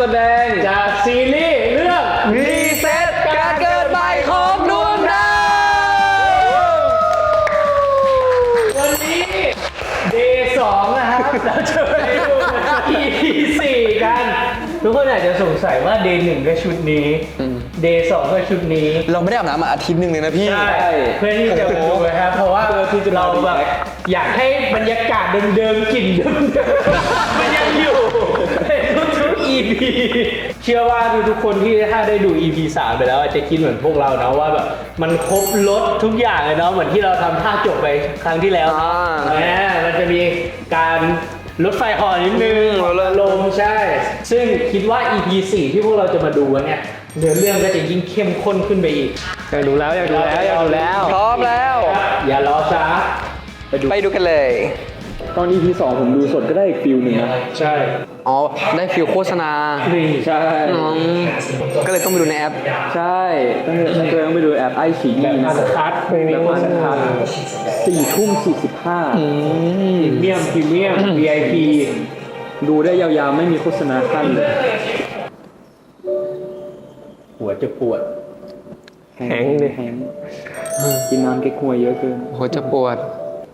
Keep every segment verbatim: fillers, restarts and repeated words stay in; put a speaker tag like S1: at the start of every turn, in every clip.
S1: แสดง
S2: จากซีรีส์เรื่อง
S1: รีเซ็ตการเกิดใหม่ของดวงดาว
S2: วันนี้เดย์สองนะครับเราจะไปดู อี พี สี่กันทุกคนอาจจะสงสัยว่าเดย์หนึ่งก็ชุดนี้เดย์สองก็ชุดนี้
S1: เราไม่ได้อาบน้ำมาอาทิตย์หนึ่งเลยนะพี่
S2: ใช่เพื่อที่จะมาดูนะครับเพราะว่าเราแบบอยากให้บรรยากาศเดิมๆกลิ่นเดิมๆมันยังอยู่ในทุกๆ อี พี เชื่อว่าทุกๆคนที่ถ้าได้ดู อี พี สามไปแล้วอาจจะคิดเหมือนพวกเรานะว่าแบบมันครบรถทุกอย่างเลยเนาะเหมือนที่เราทำท่าจบไปครั้งที่แล้วนะมันจะมีการรถไฟห่อนิดนึงลมใช่ซึ่งคิดว่า อี พี สี่ที่พวกเราจะมาดูกันเนี่ยเนื้อเรื่องก็จะยิ่งเข้มข้นขึ้นไปอีกอยากดูแล้วอยากดูแล้วอยากดูแล้ว
S1: พร้อมแล้ว
S2: อย่ารอช้า
S1: ไปดูไปดูกันเลย
S3: ตอน อี พี สองผมดูสดก็ได้อีกฟิลหนึ่งนะ
S2: ใช่
S1: อ๋อได้ฟิลโฆษณา
S2: นี่ใช่
S1: ก็เลยต้องไปดูในแอป
S3: ใช่ต้องต้องต้องไปดูแอปไอฉี
S2: แบบอัสคัท
S3: แล้วก็คัทสี่ทุ่มสี่สิบห้า
S2: พรีเมียมพรีเมียม วี ไอ พี
S3: ดูได้ยาวๆไม่มีโฆษณาขั้นเลย
S2: หัวจะปวด
S3: แห้งเลยแห้งกินน้ำเก๊กฮวยเยอะเกิน
S1: หัวจะปวด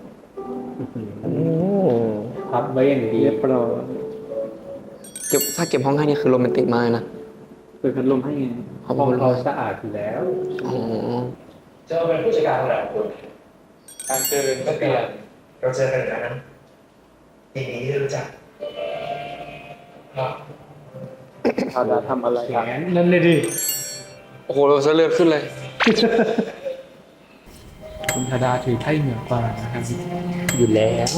S2: พับไว้อย่างดี
S3: เรียบร้อย
S1: เก็บถ้าเก็บห้องให้นี่คือโรแมนติกมากนะ
S3: เปิดพัดลมให้ไง
S2: ห้องเราสะอาดอยู่แล้ว
S1: อ๋อ
S4: เจอเป็นผู้จัดการของเราคุณการเจอก็เปลี่ยนเราเจอกันอยู่แล้วนะยินดีที่รู้จักครับ
S3: พาดาทำอะไรครับ
S2: นั่นเลยดิ
S1: โอ้โหเราจะเลือดขึ้นเลย
S2: คุณธดาถือไพ่เหนือกว่านะครับอยู่แล้ว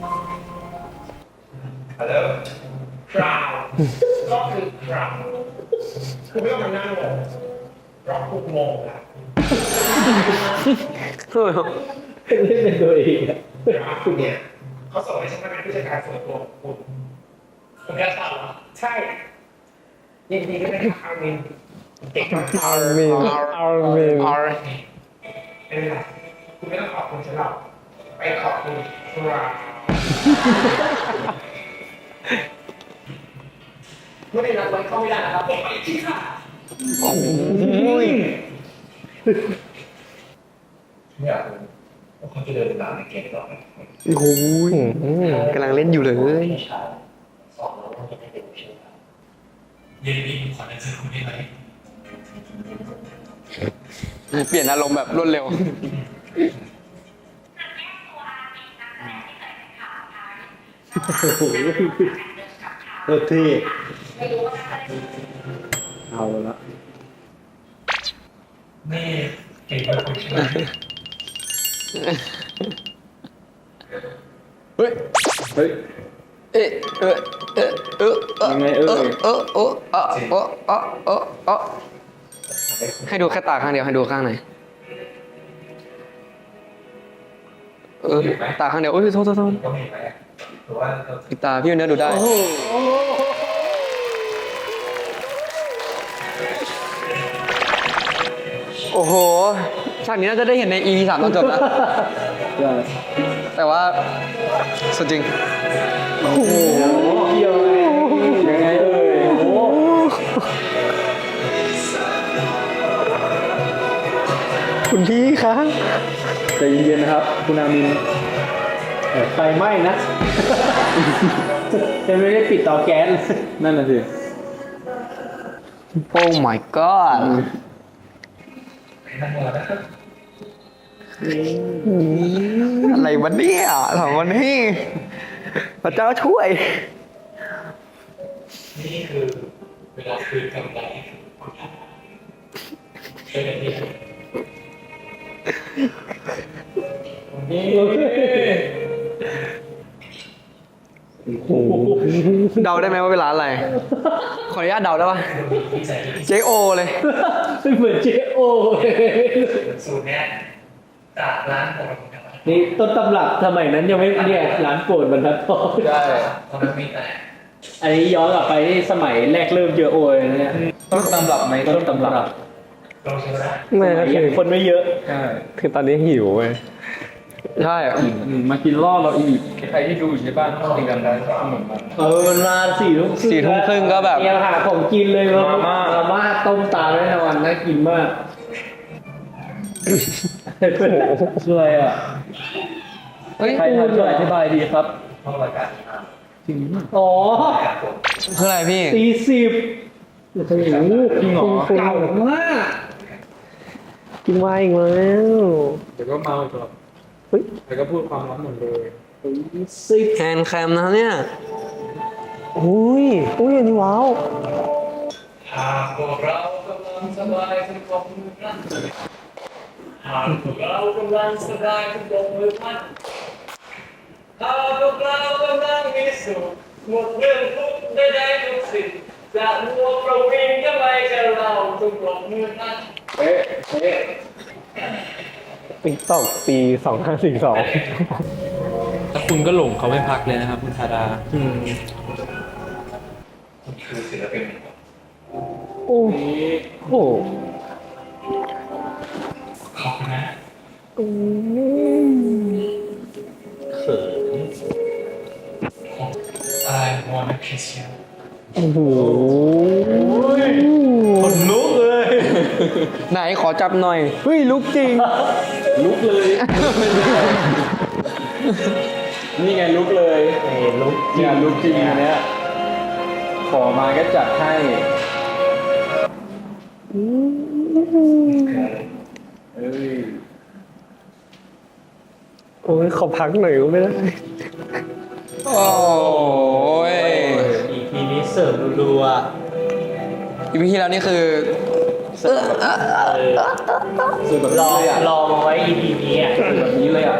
S4: ฮัลโหลคราวก็คือคราวคุณไม่ต้องมานั่งงงรอคุกงงละ
S2: เล่นเป็นตัวเองอะ
S4: คุณเนี่ยเขาส่งให้ฉันมาเป็นผู้จัดการส่วนตัวของคุณคุณแค่ทราบเหรอใช่ยินดีด้วยนะครับอาร์มินเก่งมากอาร์มิน
S1: อาร์มินอาร์
S4: ไม่เป็นไรคุณไม่ต้องขอบคุณฉันหรอกไปขอบคุณคราวไม่ได้รับไว้เข้าไม่ได้นะครับผมไปที่ค่ะ
S1: โอ้ย
S4: ไม่อยากรู้ว่าเขาจะเดินตามในเกมต่อไหม
S1: โอ้ยกำลังเล่นอยู่เลย
S4: สองเราต้องให้เป็นใช่ไหมครับยินดีขอเดินเจอคุณได้ไหม
S1: เปลี่ยนอารมณ์แบบรวดเร็ว
S2: โอเค
S3: เอาละ
S4: นี่เก่งมากคุณใช่ไหม
S1: เฮ้ย
S3: เฮ้ย
S1: เอ๊ะเออเออเออ
S3: ยังไงเออ
S1: เออเออเออเออเออเออเออให้ดูแค่ตาข้างเดียวให้ดูข้างไหนเออตาข้างเดียวโอ้ยโทษโทษโทษอีกตาพี่เนื้อดูได้โอ้โหฉากนี้น่าจะได้เห็นใน อี พี สามตอนจบนะแต่ว่าสุดจริง
S3: โอ้โหเกี่ยวยังไงเอ่ยโอ้
S1: คุณพี่คะ
S3: ใจเย็นๆนะครับคุณอามิน
S2: ไฟไหม้นะจะไม่ได้ปิดเตาแก๊ส
S3: นั่นน่ะสิ
S1: โอ้ my god อะไรวะเนี่ยถามวันนี้พระเจ้าช่วย
S4: นี่คือเวลาคืนกำไรคุณทำเป็นแบบนี้
S1: เดาได้ไหมว่าเป็นร้านอะไรขออนุญาตเดาได้ปะเจโอเลย
S2: เหมือนเจโอ
S4: สูตรเนี้ยจากร้านผม
S2: นี่ต้นตำรับสมัยนั้นยังไม่เนี่ยร้านโปรดบรรทัดทอง
S4: ได้ตอนนั้นมีแต่
S2: อันนี้ย้อนกลับไปสมัยแรกเริ่มเจโอเลยเนี่ย
S3: ต้นตำรับไหม
S2: ต้นตำรับ
S4: ลองชิมนะ
S1: ไม่
S2: คือคนไม่เยอะ
S3: ใช่
S1: คือตอนนี้หิวเว้ยใช่
S3: อืมมากินล่อเราอีกใครที่ดูอยู่ในบ้านต้องติดกันได้ขนมมา
S2: เออมันมาสี่ทุ่ม
S1: สี่ทุ่มครึ่งก็แบบ
S2: เตรียมหาของกินเลย
S3: มาม่า
S2: มาม่าต้มตาแน่นอนน่ากินมาก
S3: ช่วยอ่ะ
S1: เฮ้ย
S3: ใครทำช่วยอธิบายดีครับ
S4: ห้องรายการ
S3: จริงมาก
S2: อ๋อ
S1: คืออะไรพี่
S2: ตีสิบโอ้โห
S3: จริงเหรอ
S2: เก่ามากกินไวอีกแล้ว
S3: เดี๋ยวก็เมาอีกรอบ
S2: เฮ้ย
S3: แล้วก็พูดความลับหมดเลย
S2: ตีสิบ
S1: แฮนด์แคมนะเนี่ย
S2: อุ้ยอุ้ยอันนี้ว้าว
S4: หากพวกเรากำลังสบายจงปรบมือพลั่นหากพวกเรากำลังสบายจงปรบมือพลั่นหากพวกเรากำลังมีสุขหมดเรื่องทุกข์ใดๆทุกสิ่งจะมัวประวิงก็ไม่จะเราจงปรบมือพลั่น
S3: เอ๊ะเอ๊ะ
S2: ติ๊กตอกปีสองห้าสี่สอง
S3: แล้วคุณก็หลงเขาไม่พักเลยนะครับคุณธาดา
S4: คือศิลปิน
S2: โอ้โห
S4: ขอบคุณนะ
S3: เขิน
S4: I wanna kiss you
S2: โอ้โห
S3: คนลุกเลย
S1: ไหนขอจับหน่อย
S2: เฮ้ยลุกจริง
S3: ลุกเลย นี่ไงลุกเลย
S2: เอ้ยลุกจริ
S3: เนี่
S2: ง
S3: ยลุกจริงอันเนี้ยขอมาก็จัดให้เอ้ย
S2: โอ้ยขอพักหน่อยก็ไม่ได้
S1: โอ้ย
S2: อีพีนี้เสิร์ฟรัว
S1: อีพีที่แล้วนี่คือ
S3: สื่อแบบ
S2: ๆร
S3: นี้
S2: อ
S3: เลยอ่ะ
S2: รอมาไว้ อี พี นี้อ่ะ
S3: สื่อแบบนี้เลยอ่ะ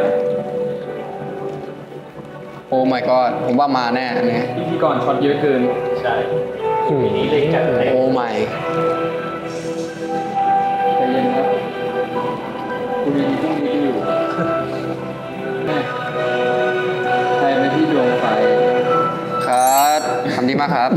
S1: โอ้ my god ผมว่ามาแน่อันนี้
S3: พิธีกรช็อตเยอะเกิน
S2: ใช่ อี พี นี้เลยจัดให้
S1: โอ้ my
S3: ใจเย็นครับคุณมีพรุ่งนี้อยู่แม่ใครเป็นที่ดวงไฟ
S1: ครับทำดีมากครับ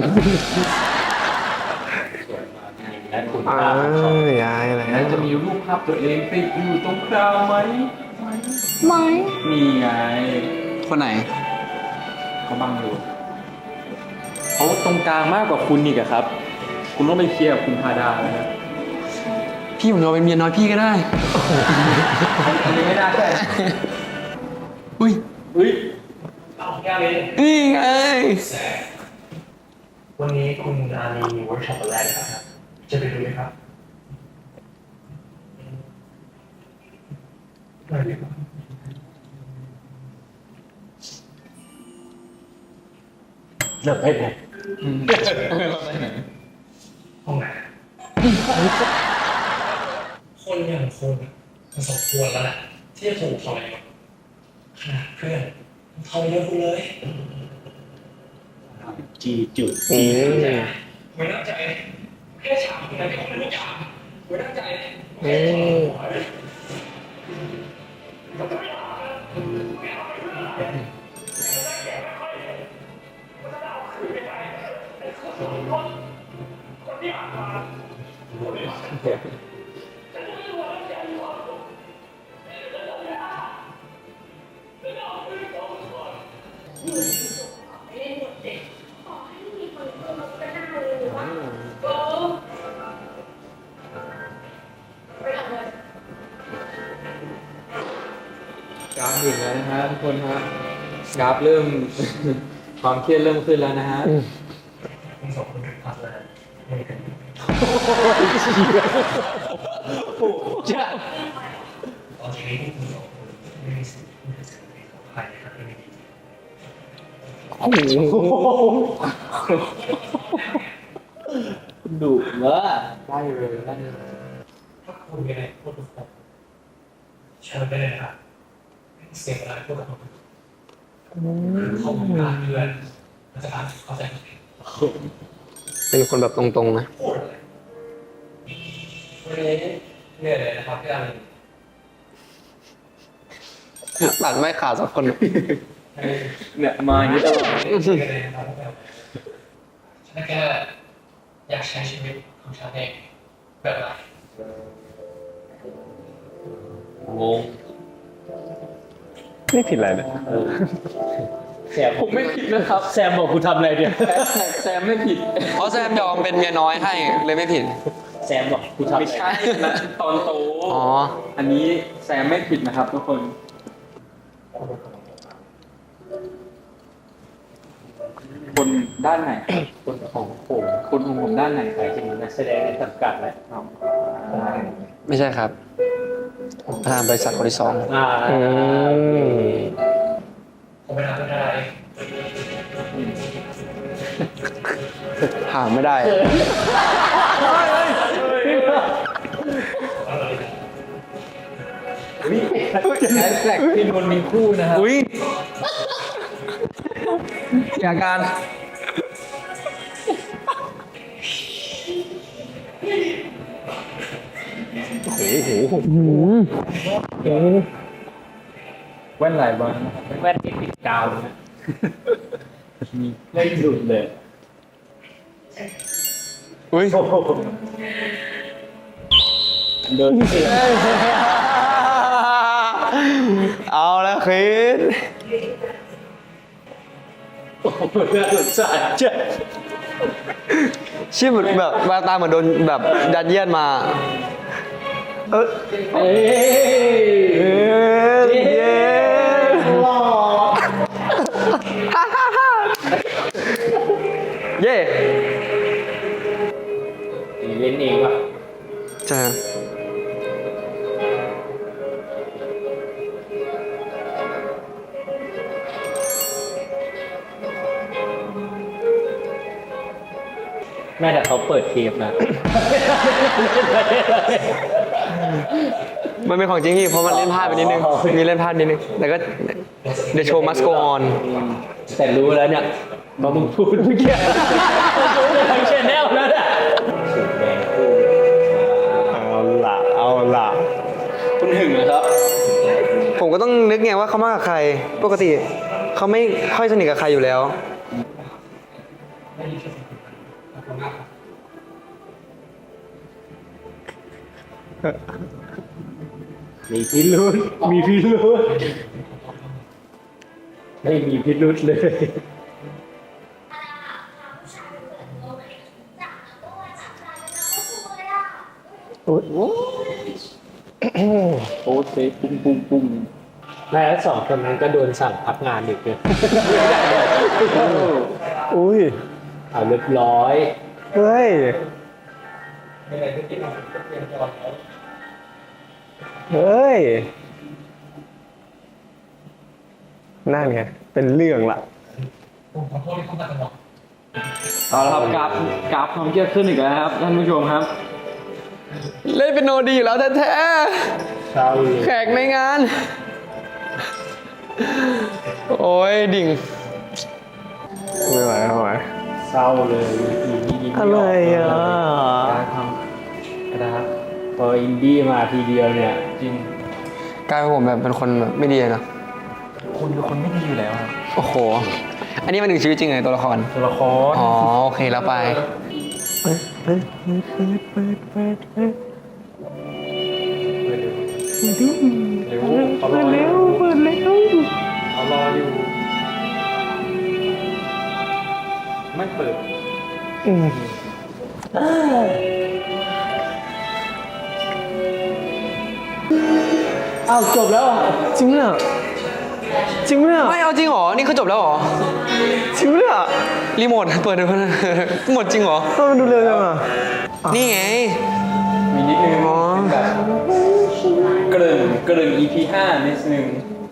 S2: และคุณ
S5: อ่า
S2: ภาพของ
S5: ยายอะไร
S3: แล้วจะมีรูปภาพตัวเองติดอยู่ตรงกลางไหม
S1: ไม่
S3: มีไง
S1: คนไหน
S3: เขาบังอยู่เขาตรงกลางมากกว่าคุณอีกอะครับ คุณต้องไปเคลียร์กับคุณพาดาเลยนะ
S1: พี่ผมยอมเป็นเมียน้อยพี่ก็ได้
S3: อันนี้ไม่น่าใช่
S1: อุ้ย
S3: อุ้ย
S4: เอาแก้วเลย
S1: นี่ไง
S4: วันนี้คุณอาลีมีเวิร์กช็อปอะไรนะครับ จะไปดูไหมครับไปดีกว่า
S2: เลิกไปเลย
S4: ห้องไหนคนอย่างคุณมันสมควรแล้วแหละที่จะถูกทำอะไรก่อนขนาดเพื่อนทำเยอะคุณเลย
S2: จีจุด
S5: อืม
S4: ไม่ตั้งใจแค่ฉากแต่ไม่ต้องเป็นทุกอย่างไม่ตั้งใจ
S5: อืม
S3: กราฟถึงแล้วนะฮะทุกคนฮะกราฟเริ่ม ความเครียดเริ่มขึ้นแล้วนะฮะ
S4: คุณสองคนถึงพักแล้วไม่กัน
S2: จ้า
S4: ตอนนี้คุณสองคนไม่มีสิทธิ์ที่จะเสียใจของใครนะครับไม่มี
S2: โอ้โหดุเนอะ
S3: ได้เลยได้เลย
S4: ถ้าคุณมีอะไรพูดกับผมเชิญไปเลยนะครับเสียเวลาพูดกับผมเขาไม่ได้เพื่อนมันจะทำเข้าใจผิด
S1: เป็นคนแบบตรงๆนะ
S4: พูดอะไรวันนี้เหนื่อยเลยนะครับพี่อารี
S1: ตัดไม่ขาดสักคน
S3: เนี่ยมาอย่างนี้ตลอด
S4: เหนื่อยเลยนะครับพี่อารีฉันแค่อยากใช้ชีวิตของฉันเองแบบไหน
S3: งง
S5: ไม่ผิดอะไรเลย
S2: แซมผมไม่ผิดนะครับแซมบอกกูทำอะไรเนี่ย
S3: แซมไม่ผิด
S1: เพราะแซมยอมเป็นเมียน้อยให้เลยไม่ผิด
S2: แซมบอกกูทำ
S3: ไม่ใช่นะตอนโต
S1: อ๋อ
S3: อันนี้แซมไม่ผิดนะครับทุกคน คนด้านไหน
S2: คนของผม
S3: คนของผมด้านไหน
S2: หมายถึงนักแสดงในสังกัดแหละ
S1: ไม่ใช่ครับประธานบริษัทคนที่สอง
S2: อ่า
S5: อืม
S4: ผมไม่ทำไม่ได้
S1: หาไม่ได้
S3: แฮชแท็กพี่นนท์มีคู่นะครับ
S1: อุ้ยอาการ
S3: แว่นหลายวันนะครับ
S2: แว่นที่ติดกาวนะไม่หลุดเลย
S1: อุ้ย
S2: โอ้โหเดินเสีย
S1: เอาแล้วคิด
S2: โอ้โหน่าสงสารจัด
S1: ชื่อเหมือนแบบแววตาเหมือนโดนแบบยัดเยียดมา เออ
S2: เอ้ย
S1: เย้เย้
S2: หล่อ
S1: เย้
S2: เล่นเองว่ะ
S1: ใช่
S2: แม่แต่เขาเปิดเทปนะ
S1: มันเป็นของจริงพี่เพราะมันเล่นพลาดไปนิดนึง มีเล่นพลาดนิดนึง แต่ก็ The show must go on
S2: แต่รู้แล้วเนี่ยพอมึงพูดเมื่อกี้รู้ไปทั้งชแนลแล้วเนี่ยสุดแดงคู่
S5: เอาละเอาละ
S3: คุณหึงเหรอครับ
S1: ผมก็ต้องนึกไงว่าเขามากับใคร ปกติเขาไม่ค่อยสนิทกับใครอยู่แล้ว
S2: มีพิรุษมีพิรุษไม่มีพิรุษเลย
S3: โอ้เซปุ้งปุ้งปุ้ง
S2: แม่แล้วสองคนนั้นก็โดนสั่งพักงานอีกเลย
S5: อุ้ย
S2: เอาเรียบร้อย
S5: เฮ้ย เฮ้ย นั่นไง เป็นเรื่องละ
S4: ผมขอโทษที่เข้ามาตลอด
S3: เอาละครับกราฟกราฟความเครียดขึ้นอีกแล้วครับท่านผู้ชมครับ
S1: เล่นเป็นโนดีอยู่แล้วแท้
S2: เศร้าเลย
S1: ๆแขกในงาน โอ้ยดิ่ง
S5: ไม่ไหวไม่ไหว
S2: เศร้าเลยอีนี่ยิ้ม
S5: อะไร
S2: ไม่อ
S5: อ่ะ
S2: อก
S3: การทำกระดาษ
S2: พออินดี้มาทีเดียวเนี่ย
S3: จริง
S1: กลายเป็นผมแบบเป็นคนแบบไม่ดีเลยนะ
S3: คุณเป็นคนไม่ดีอยู่แล้วครับ
S1: โอ้โห อันนี้มันถึงชีวิตจริงเลยตัวละคร
S3: ตัวละคร
S1: อ๋อ โอเคแล้วไป
S3: เร็วเขารออยู่
S5: เปิดแล้ว
S3: เขารออยู่ ไม่เปิด
S2: อ้าวจบแล้วอ่ะ
S5: จริงเนี่ยจริงเนี่ย
S1: ไม่เอาจริงเหรอ นี่คือจบแล้วเหรอ
S5: จริงเนี่ย
S1: รีโมทเปิดดูนะ หมดจริงเหรอ
S5: ทำไมมันดูเร็วจังอ่ะ
S1: นี่ไง
S3: มีนิดนึง
S1: อ๋อ
S3: เป็นแบบเกริ่นเกริ่น อี พี ห้านิดนึง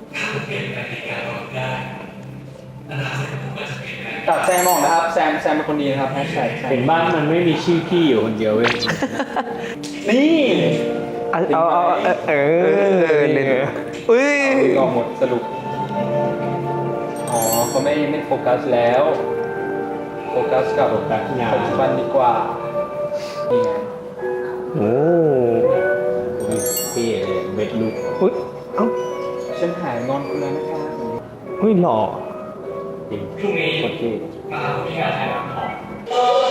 S3: ตัดแซมออกนะครับ แซมแซมเป็นคนดีนะครับแฮชแท็ก
S2: เห็นบ้านมันไม่มีชื่อพี่อยู่คนเดียวเว้ย
S3: นี่
S5: เอาเอาเอาเออเอ
S1: เออ
S5: อ
S1: เล่
S5: เล่
S1: น
S5: น
S1: อุ้ย
S3: ดึงออกหมดสรุป อ๋อเขาไม่ไม่โฟกัสแล้ว โฟกัสกับ
S2: โฟกัสงาน
S3: ปัจจุบันดีกว่า นี่ไง
S5: โอ้
S2: อุ้ยพี่เลยเบ็ดลุก
S5: อุ้ยเอ้า
S3: ฉันหายงอนคุณแล้วนะครับ
S5: อุ้ยหล่อ
S2: จริง
S4: พรุ่งนี้
S2: โอเค
S4: มามีการถ่ายทำของ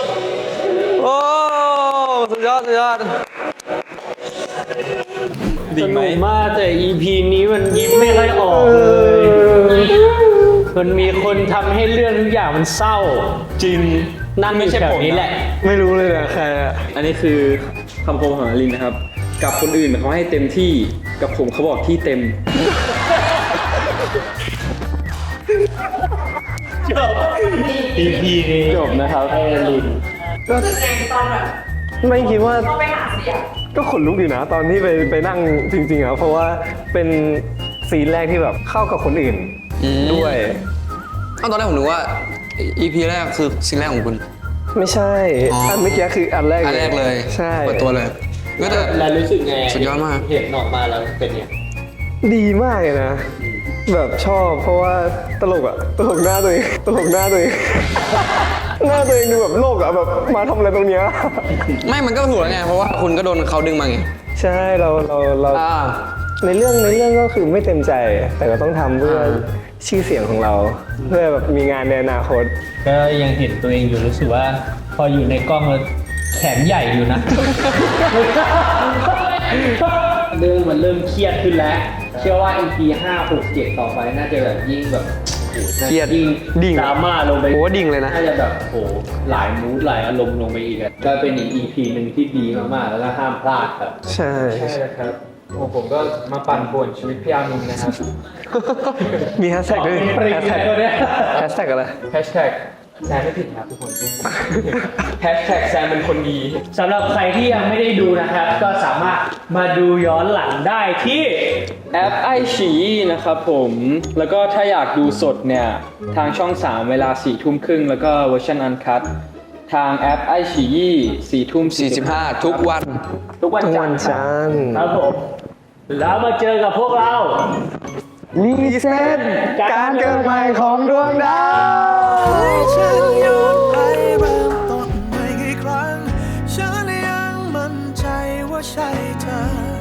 S1: โอ้ สุดยอด สุดยอด
S2: สนุกมากแต่ อี พี นี้มันยิ้มไม่ค่อยออกเลย มันมีคนทำให้เรื่องทุกอย่างมันเศร้า
S1: จริง
S2: นั่งอยู่แถวนี้แหละ
S5: ไม่รู้เลยนะใครอะ
S3: อันนี้คือคำคมของอลินนะครับ กับคนอื่นเขาให้เต็มที่กับผมเขาบอกที่เต็ม
S2: จบ อี พี นี้
S3: จบนะครับ
S2: ไอริน
S5: ก็ไม่คิดว่าก็ขนลุกอยู่นะ ตอนที่ไปไปนั่งจริงๆอะเพราะว่าเป็นซีนแรกที่แบบเข้ากับคนอื่น
S1: อืม
S5: ด้วย
S1: อ้าวตอนแรกผมนึกว่า อี พี แรกคือซีนแรกของคุณ
S5: ไม่ใช่
S1: อ๋ออั
S5: อันเมื่อกี้คืออันแรก
S1: อันแรกเลย
S5: ใช่
S1: เปิดตัวเลยก็แต่
S2: แล้วรู้สึกไง
S1: สุดยอดมาก
S2: เห็นออกมาแล้วเป็นไง
S5: ดีมากเลยนะ แบบชอบเพราะว่าตลกอะตลกหน้าตัวเองตลกหน้าตัวเอง หน้าตัวเองดูแบบโลกอะแบบมาทำอะไรตรงเนี้ย
S1: ไม่มันก็ถูกแล้วไง เพราะว่าคุณก็โดนเขาดึงมาไง
S5: ใช่เราเราเรา
S1: อ่า
S5: ในเรื่องในเรื่องก็คือไม่เต็มใจ แต่ก็ต้องทำเพื่อชื่อเสียงของเรา เพื่อแบบมีงานในอนาคต
S2: ก็ยังเห็นตัวเองอยู่รู้สึกว่า พออยู่ในกล้องแล้วแขนใหญ่อยู่นะ เรื่องมันเริ่มเครียดขึ้นแล้ว เชื่อว่า อี พี ห้า หก เจ็ดต่อไปน่าจะแบบยิ่งแบบโอ้โห
S1: เครียด
S2: ยิ่ง
S1: ดิ่ง
S2: ดราม่าลงไป
S1: โอ้ดิ่งเลยนะ
S2: น่าจะแบบโอ้โหหลายมูดหลายอารมณ์ลงไปอีกอะก็เป็นอีก อี พี หนึ่งที่ดีมากๆแล้วก็ห้ามพลาดครับ
S5: ใช่
S3: ใช่ครับโอ้ผมก็มาปั่นป่วนชีวิตพี่อามินนะครับ
S5: มีแฮชแท็กด้วย
S2: ปริง
S5: แฮชแท็ก
S2: ตัวเนี้ย
S5: แฮชแท็กอะไร
S3: แฮชแท็กแซมไม่ผิดครับทุกคน แฮชแท็กแซมเป็นคนดี
S2: สำหรับใครที่ยังไม่ได้ดูนะครับ ก็สามารถมาดูย้อนหลังได้ที่
S3: แอปไอฉีนะครับผม แล้วก็ถ้าอยากดูสดเนี่ย ทางช่อง สาม เวลาสี่ทุ่มครึ่งแล้วก็เวอร์ชันอันคัททางแอปไอฉีสี่ทุ่ม
S1: สี่สิบห้าทุกวัน
S3: ทุกวัน
S5: ทุก
S3: จั
S5: วัน น
S3: ทร์ครับ
S5: จันทร์
S2: ครับผม แล้วมาเจอกับพวกเรา
S5: รีเซ็ตการเกิดใหม่ของดวงดาว
S6: ฉันย้อนไปเริ่มต้นใหม่กี่ครั้ง ฉันยังมั่นใจว่าใช่เธอ